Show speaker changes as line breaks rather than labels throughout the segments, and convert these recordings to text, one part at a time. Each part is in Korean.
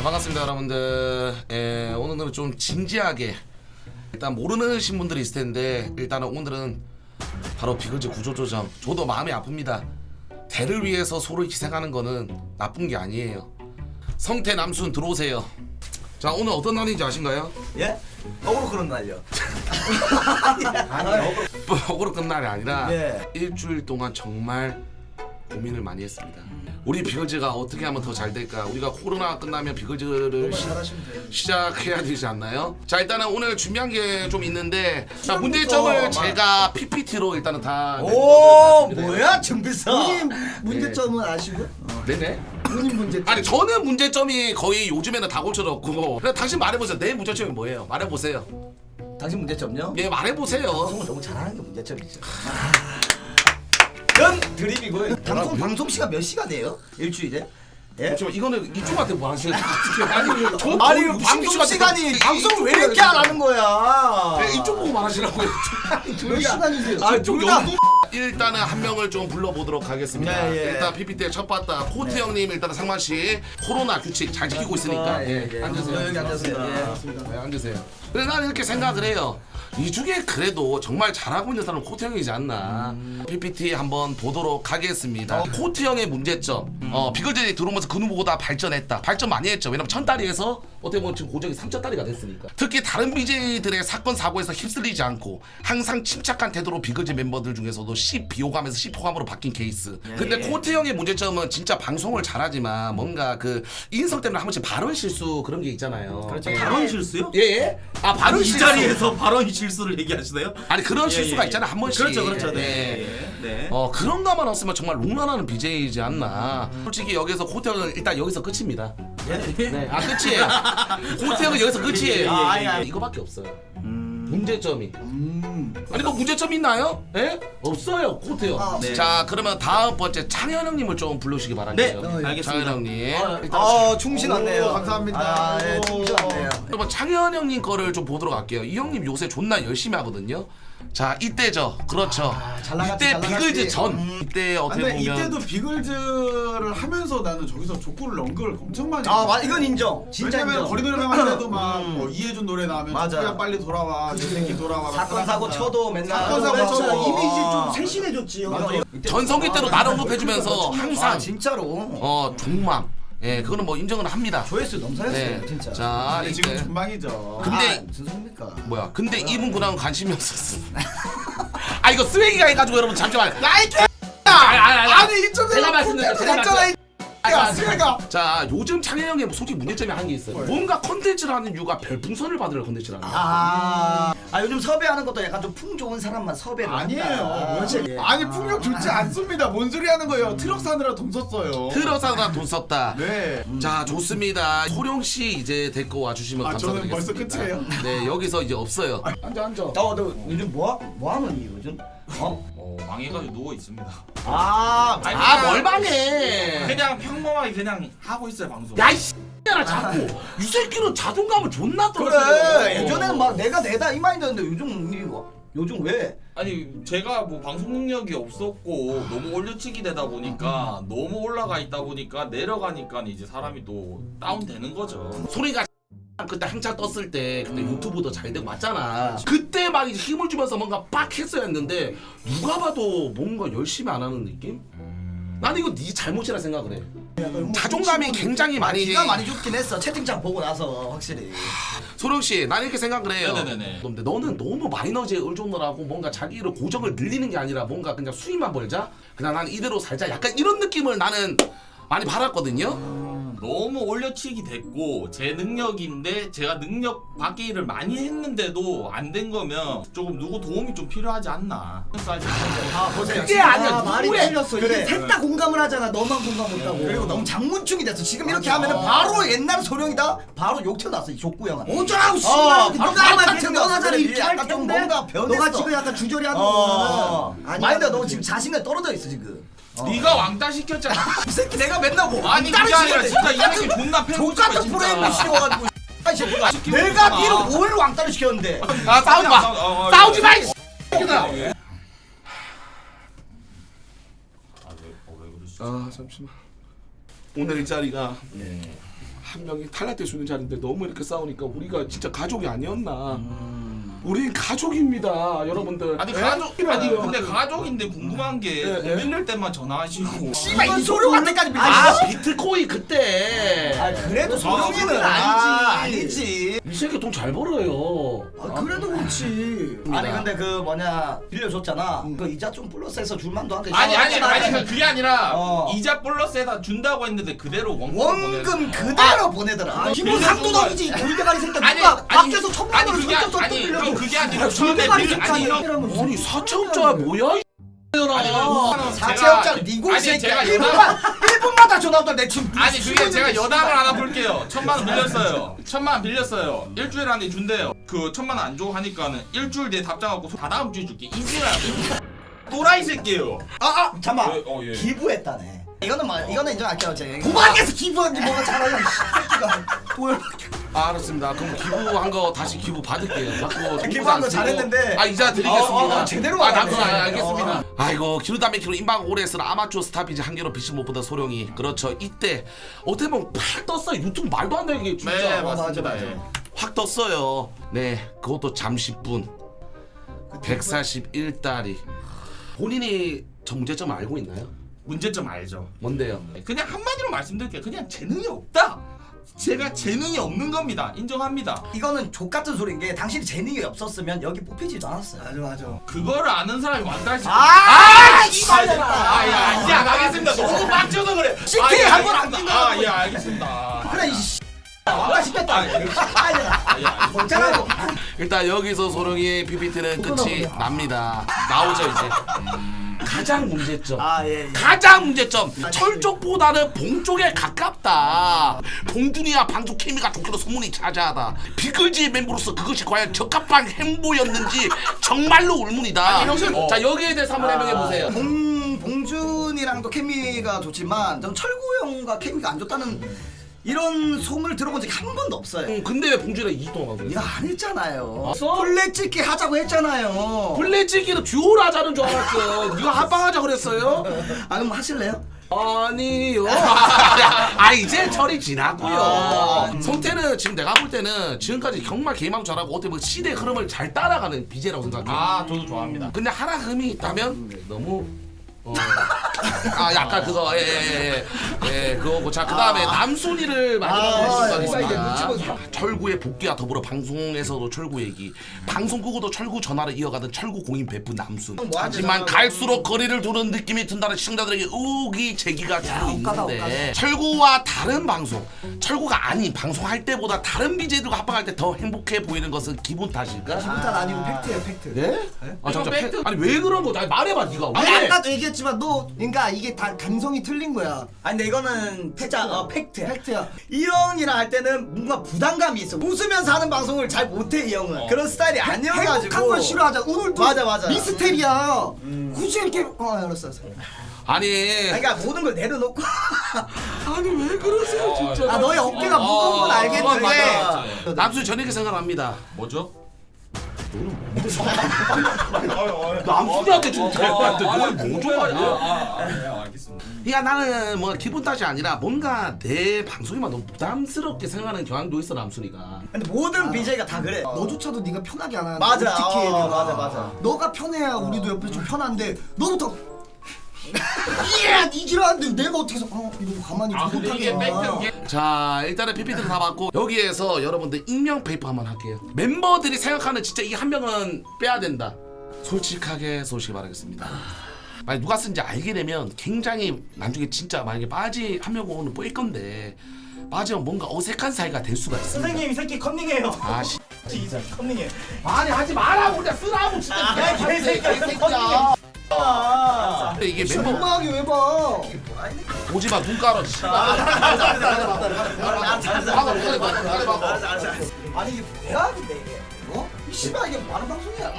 반갑습니다 여러분들. 오늘은 좀 진지하게 일단 모르시는 분들이 있을 텐데 일단은 오늘은 바로 비글즈 구조조정. 저도 마음이 아픕니다. 대를 위해서 서로 희생하는 거는 나쁜 게 아니에요. 성태 남순 들어오세요. 자, 오늘 어떤 날인지 아신가요?
예? 거꾸로 그런 날이요.
아니요. 억울로 끝 날이 아니라
예.
일주일 동안 정말 고민을 많이 했습니다. 우리 비글즈가 어떻게 하면 더 잘 될까? 우리가 코로나 끝나면 비글즈를 시작해야 되지 않나요? 자, 일단은 오늘 준비한 게 좀 있는데, 자, 문제점을 제가 PPT로 일단은 다
오 뭐야 준비서.
본인 문제점은 아시고?
네네.
본인 문제점.
아니 저는 문제점이 거의 요즘에는 다 고쳐졌고, 그냥 당신 말해보세요. 내 문제점이 뭐예요? 말해보세요.
당신 문제점요?
예, 말해보세요.
방송을 너무 잘하는 게 문제점이죠. 전 드립이고요. 방송 시간 몇 시간이에요? 일주일에? 예?
잠시만, 이거는 이쪽한테 뭐 하시는 아니 저
아니
거의
방송 시간이 방송 왜 이렇게 안 하는 거야?
이쪽 보고 말하시라고요.
몇 시간이세요?
아, 둘 다.
일단은 한 명을 좀 불러보도록 하겠습니다.
네, 예.
일단 PPT에 첫 봤다 코트 형님, 일단은 상만 씨 코로나 규칙 잘 지키고 있으니까 앉으세요.
여기 앉으세요.
네, 앉으세요. 그래, 나는 이렇게 생각을 해요. 이 중에 그래도 정말 잘하고 있는 사람은 코트 형이지 않나. PPT 한번 보도록 하겠습니다. 코트 형의 문제점. 비글즈들이 들어오면서 그 누구보다 발전했다. 발전 많이 했죠. 왜냐면 1000다리에서 어떻게 보면 지금 고정이 3000다리가 됐으니까. 특히 다른 BJ들의 사건 사고에서 휩쓸리지 않고 항상 침착한 태도로 비글즈 멤버들 중에서도 비호감에서 시호감으로 바뀐 케이스. 근데 코트 형의 문제점은 진짜 방송을 잘하지만 뭔가 그 인성 때문에 한 번씩 발언 실수 그런 게 있잖아요.
그렇죠.
예.
발언 실수요?
예, 예. 아, 발언
이
실수.
자리에서 발언 실수를 얘기하시나요?
아니 그런
예,
실수가
예,
있잖아 한 번씩.
그렇죠, 그렇죠. 네.
예.
네.
그런 거만 없으면 정말 롱런하는 BJ이지 않나. 솔직히 여기서 코트 형은 일단 여기서 끝입니다. 네, 아 끝이에요. 코트 형은 여기서 끝이에요. 이거밖에 없어요. 문제점이. 아니 뭐 문제점 있나요? 예? 없어요 코트 형.
네.
자, 그러면 다음 번째 창현 형님을 좀 불러주시기 바랄게요.
네, 알겠습니다.
창현 형님. 일단
충신 왔네요.
오, 감사합니다.
아, 예, 충신 왔네요.
여러분 창현 형님 거를 좀 보도록 할게요. 이 형님 요새 존나 열심히 하거든요. 자, 이때죠. 그렇죠.
잘 나갔지,
이때
잘 나갔지.
비글즈 전. 이때 어떻게
근데
보면
이때도 비글즈를 하면서 나는 저기서 족구를 넣은 걸 엄청 많이
이건 인정. 진짜
왜냐면
인정.
거리 노래방 할 때도 막뭐 이해준 노래 나오면
맞아.
족구야 빨리 돌아와 내 새끼 돌아와
사건 사고 쳐도 맨날
사건 사고
그렇죠.
쳐도
이미지 좀 세신해졌지.
맞아.
전성기 때로 나를 언급해주면서 항상
진짜로.
종망. 예, 그거는 뭐 인정을 합니다.
조회수 넘사였어요
네.
진짜.
자,
근데 지금
이때
전망이죠.
근데
무슨 소리입니까?
뭐야? 근데 이분 그냥 관심이 없었어. 아, 이거 쓰레기가 해가지고 여러분 잠시만.
야이 개
아니
이쪽에
제가 말씀드렸잖아.
쓰레가
자, 요즘 창현 형이 솔직히 문제점이 한 게 있어요. 뭔가 컨텐츠를 하는 이유가 별풍선을 받으려 컨텐츠를 하는 거야.
요즘 섭외하는 것도 약간 좀 풍 좋은 사람만 섭외를
아니에요.
한다.
아니 풍력 좋지 않습니다. 뭔 소리 하는 거예요? 트럭 사느라 돈 썼어요.
틀어사다 돈 썼다.
네.
자, 좋습니다. 호룡 씨 이제 데리고 와주시면
아, 저는
감사드리겠습니다.
벌써 끝이에요?
네, 여기서 이제 없어요. 앉아.
너 요즘 뭐 하는 요즘?
망해가지고 누워 있습니다.
뭘 망해?
그냥 평범하게 그냥 하고 있어요 방송.
야, 이 X야 자꾸. 이 새끼는 자존감을 존나 떨어뜨려.
그래 예전에는 막 내가 내다 이 마인드였는데 요즘 왜?
아니 제가 뭐 방송 능력이 없었고 너무 올려치기 되다 보니까 너무 올라가 있다 보니까 내려가니까 이제 사람이 또 다운되는 거죠.
소리가 그때 한창 떴을 때 그때 유튜브도 잘 되고 맞잖아. 그때 막 이제 힘을 주면서 뭔가 빡 했어야 했는데 누가 봐도 뭔가 열심히 안 하는 느낌? 나는 이거 네 잘못이라 생각을 해. 자존감이 굉장히 많이.
기가 많이 죽긴 했어 채팅창 보고 나서 확실히.
소룡 씨, 나는 이렇게 생각을 해요.
네네네.
근데 너는 너무 마이너즈에 의존을 뭔가 자기를 고정을 늘리는 게 아니라 뭔가 그냥 수익만 벌자. 그냥 난 이대로 살자. 약간 이런 느낌을 나는 많이 받았거든요.
너무 올려치기 됐고 제 능력인데 제가 능력 밖의 일을 많이 했는데도 안 된 거면 조금 누구 도움이 좀 필요하지 않나.
그게 아니야.
말이
누구의
틀렸어.
그래.
이게 셋 다 공감을 하잖아. 너만 공감 못하고.
그리고 너무 장문충이 됐어. 지금 이렇게 하면은 바로 옛날 소령이다. 바로 욕 튀어났어 이 족구 형아.
어쩌라고 씨발.
바로
누가 말
같은
변하잖아.
녀석들이
이렇게 할
약간 좀
텐데.
뭔가 변했어.
너가 지금 약간 주저리 하는 거는
마인드가 너 지금 자신감 떨어져 있어 지금.
네가 왕따 시켰잖아.
이 새끼 내가 맨날 뭐
아니 그게 아니라 진짜 이 새끼 존나 패고 싶어
족같은 프레임을 씌워가지고 이 새끼가
시키고
내가
있구나.
니를 뭘 왕따를 시켰는데.
아, 싸우지 마. 싸우지 마. 이 새끼들아.
왜 그러시죠?
아, 잠시만. 오늘 이 자리가 한 명이 탈락될 수 있는 자리인데 너무 이렇게 싸우니까 우리가 진짜 가족이 아니었나. 우린 가족입니다, 여러분들.
아니
예?
가족 아니
이래요.
근데 가족인데 궁금한 게
예,
돈
예.
빌릴 때만 전화하시고
씨발 이 소룡 할 때까지
아,
빌려.
비트코인 그때.
그래도 소룡이는 아니지.
이 새끼 돈 잘 벌어요.
그래도 그렇지.
아니 근데 그 뭐냐 빌려줬잖아. 그 이자 좀 플러스해서 줄만도 한데.
아니 그게 아니라
어.
이자 플러스에다 준다고 했는데 그대로
원금 그대로 보내더라.
기본 상도덕이지 돌대가리 새끼.
아니,
누가
아니,
밖에서 천만
아니
원을
그게
줬어
아니 형 그게 아니라 처음에
돌대가리
빌 아니 형
아니 4천억짜리 뭐야? 이
아니
나.
4천억짜리 니골
아니
새끼야.
제가 여담
1분마다 전화 오다 내 지금.
아니 그게 제가 여담을 하나 볼게요. 1,000만 원 빌렸어요. 1,000만 원 빌렸어요. 일주일 안에 준대요. 그 1,000만 원 안 줘 하니까는 일주일 뒤에 답장 갖고 다 다음 주에 줄게. 이지랄. 또라이 새끼예요.
잠만.
예.
기부했다네. 이거는 인정할게요. 제가.
도박에서 기부한 게 뭐가 잘하냐 이 새끼가. 도열.
알았습니다. 그럼 기부한 거 다시 기부 받을게요. 자꾸
기부한 거 잘했는데.
아 이자 드리겠습니다.
제대로
아
받았네.
당근 알겠습니다. 아이고 기루담배 키로 임박 오래 쓰는 아마추어 스타비지 한 개로 빛을 못 보던 소룡이 그렇죠. 이때 어떻게 보면 팍 떴어요. 유튜브 말도 안 되게 진짜
네 맞습니다.
맞아.
예.
확 떴어요. 네 그것도 잠시뿐. 141달이 본인이 정제점 알고 있나요?
문제점 알죠.
뭔데요?
그냥 한마디로 말씀드릴게요. 그냥 재능이 없다. 제가 재능이 없는 겁니다. 인정합니다.
이거는 족 같은 소리인 게 당신이 재능이 없었으면 여기 뽑히지도 않았어요.
맞아.
그거를 아는 사람이 왕따지.
씨발려라.
아야 이제 안 하겠습니다. 너무 빡쳐서 그래.
CK 한번 안 낀 거야.
아예 알겠습니다.
그래 이 씨. 왕따 시켰다. 씨발려라. 못자라고.
일단 여기서 소룡이의 PPT는 끝이 납니다. 나오죠 이제. 가장 문제점.
예.
가장 문제점. 철 쪽보다는 봉 쪽에 가깝다. 봉준이와 방송 케미가 좋기로 소문이 자자하다. 비글즈의 멤버로서 그것이 과연 적합한 행보였는지 정말로 의문이다. 자 여기에 대해서 한번 해명해 보세요.
봉준이랑도 케미가 좋지만 전 철구 형과 케미가 안 좋다는 이런 소문을 들어본 적이 한 번도 없어요.
근데 왜 봉준이랑 2주 동안 하고
이거
있어?
안 했잖아요.
아,
플랫 찍기 하자고 했잖아요.
플래치기로 듀오를 하자는 줄 알았어. 네가 합방하자 그랬어요?
아 그럼 하실래요?
아니요. 아 이제 철이 지났고요. 성태는 지금 내가 볼 때는 지금까지 정말 게임하고 잘하고 어떻게 보면 시대 흐름을 잘 따라가는 BJ라고 생각해.
아 저도 좋아합니다.
근데 하나 흠이 있다면 너무 약간 그거 그거고 자 그다음에 남순이를 마지막으로 해주시겠습니다. 철구의 복귀와 더불어 방송에서도 철구 얘기 방송 끄고도 철구 전화를 이어가던 철구 공인 베프 남순 하지만 갈수록 거리를 두는 느낌이 든다는 시청자들에게 의혹이 제기가 되고 있는데 철구와 다른 방송 철구가 아닌 방송할 때보다 다른 BJ들과 합방할 때 더 행복해 보이는 것은 기분 탓일까?
기분 탓 아니고 팩트예요 팩트.
네? 아 잠깐
팩트.
아니 왜 그런 거? 나 말해봐 네가
아니
왜?
아까도 얘기했지만 너 그러니까 이게 다 감성이 틀린 거야.
아니 근데 이거는 진짜 팩트야.
팩트야.
이 형이랑 할 때는 뭔가 부담감이 있어. 웃으면서 하는 방송을 잘 못해 이 형은. 그런 스타일이 아니어가지고.
행복한 걸 싫어하자. 오늘도
맞아.
미스테리야. 굳이 이렇게 알았어.
아니
그러니까 모든 걸 내려놓고.
아니 왜 그러세요 진짜?
아 너의 어깨가 무거운 건 알겠는데.
맞아.
남순이 저는 이렇게 생각합니다.
뭐죠?
남순이한테 좀 대화한테 뭐좀 아니야?
알겠습니다.
그러니까 나는 뭐 기분 탓이 아니라 뭔가 내 방송이만 너무 부담스럽게 생각하는 경향도 있어 남순이가.
근데 모든 BJ가 다 그래.
너조차도 네가 편하게 안 하는.
맞아.
어떻게 해야 되나.
맞아.
너가 편해야 우리도 옆에 좀 편한데 너부터 이지라는데 내가 어떻게 해서 이러고 가만히
근데 이게 팩트
자 일단은 PPT를 다 받고 여기에서 여러분들 익명 페이퍼 한번 할게요. 멤버들이 생각하는 진짜 이 한 명은 빼야 된다. 솔직하게 쏘시기 바라겠습니다. 만약 누가 쓴지 알게 되면 굉장히 나중에 진짜 만약에 빠지 한 명은 뺄 건데 빠지면 뭔가 어색한 사이가 될 수가 있어.
선생님 이 새끼 컨닝해요.
아씨
진짜 컨닝해.
아니 하지 말라고 그냥 쓰라고 진짜.
개새끼야.
이게 멤버
민망하게 왜 봐?
보지마 눈 깔아.
아니 이게 뭐야 근데 이게? 어? 이 씨발 이게 많은 방송이야.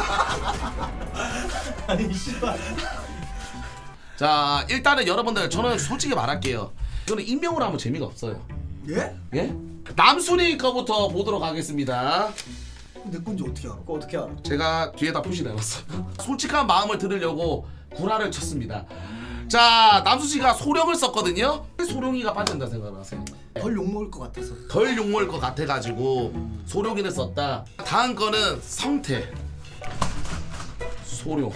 아니 씨발.
자 일단은 여러분들 저는 솔직히 말할게요. 이거는 익명으로 하면 재미가 없어요.
예?
예? 남순이 거부터 보도록 하겠습니다.
내 건지 어떻게 알아?
그거 어떻게 알아?
제가 뒤에다 표시를 해놨어요. 솔직한 마음을 들으려고 구라를 쳤습니다. 자 남수 씨가 소령을 썼거든요. 소령이가 빠진다 생각하세요?
덜 욕먹을 것 같아서.
덜 욕먹을 것 같아가지고 소령이를 썼다. 다음 거는 성태. 소령.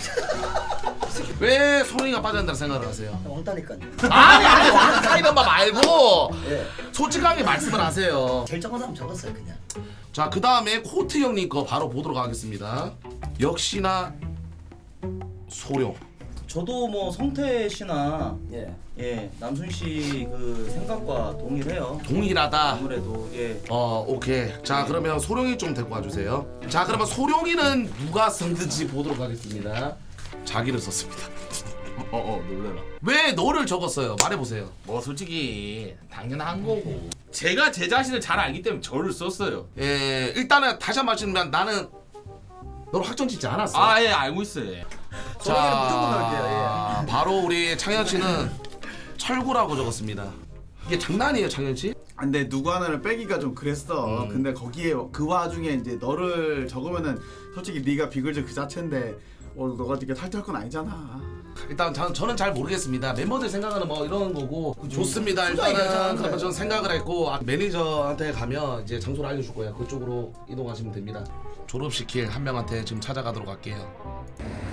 왜 소령이가 빠진다고 생각을 하세요?
왕따니까요.
아니 왕따 이런 말 말고
예.
솔직하게 말씀을 하세요.
제일 적은 사람 적었어요 그냥.
자 그 다음에 코트 형님 거 바로 보도록 하겠습니다. 역시나 소령.
저도 뭐 성태 씨나
예.
예 남순 씨 그 생각과 동일해요.
동일하다.
아무래도 예.
오케이. 자 그러면 소룡이 좀 데리고 와주세요. 자 그러면 소룡이는 누가 썼는지 보도록 하겠습니다. 자기를 썼습니다.
놀래라.
왜 너를 적었어요? 말해보세요.
뭐 솔직히 당연한 거고. 제가 제 자신을 잘 알기 때문에 저를 썼어요.
예, 일단은 다시 한 번 말씀드리면 나는 너를 확정 짓지 않았어.
아 예 알고 있어요.
소령이는 무조건 넣을게요.
바로 우리 창현 씨는 철구라고 적었습니다. 이게 장난이에요, 창현 씨?
근데 누구 하나를 빼기가 좀 그랬어. 근데 거기에 그 와중에 이제 너를 적으면은 솔직히 네가 비글즈 그 자체인데 너가 이렇게 탈퇴할 건 아니잖아.
일단 저는 잘 모르겠습니다. 멤버들 생각하는 뭐 이런 거고 좋습니다. 일단은 그러면 저는 생각을 했고 매니저한테 가면 이제 장소를 알려줄 거예요. 그쪽으로 이동하시면 됩니다. 졸업시킬 한 명한테 지금 찾아가도록 할게요.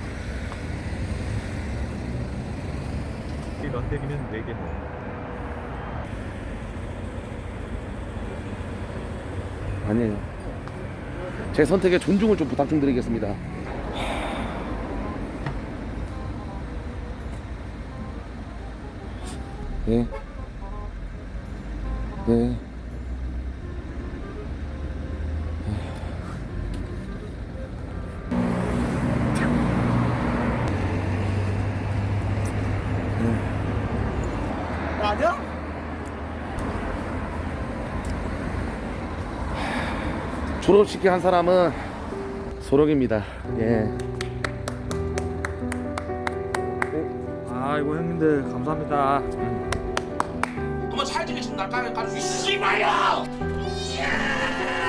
런데기는 외계모.
아니에요. 제 선택에 존중을 좀 부탁 좀 드리겠습니다. 네. 네.
아니야?
졸업시킬 한 사람은 소령입니다. 예.
아이고 형님들 감사합니다.
한번 찰지게 지금 날까지 깔수 있어. 씨발야!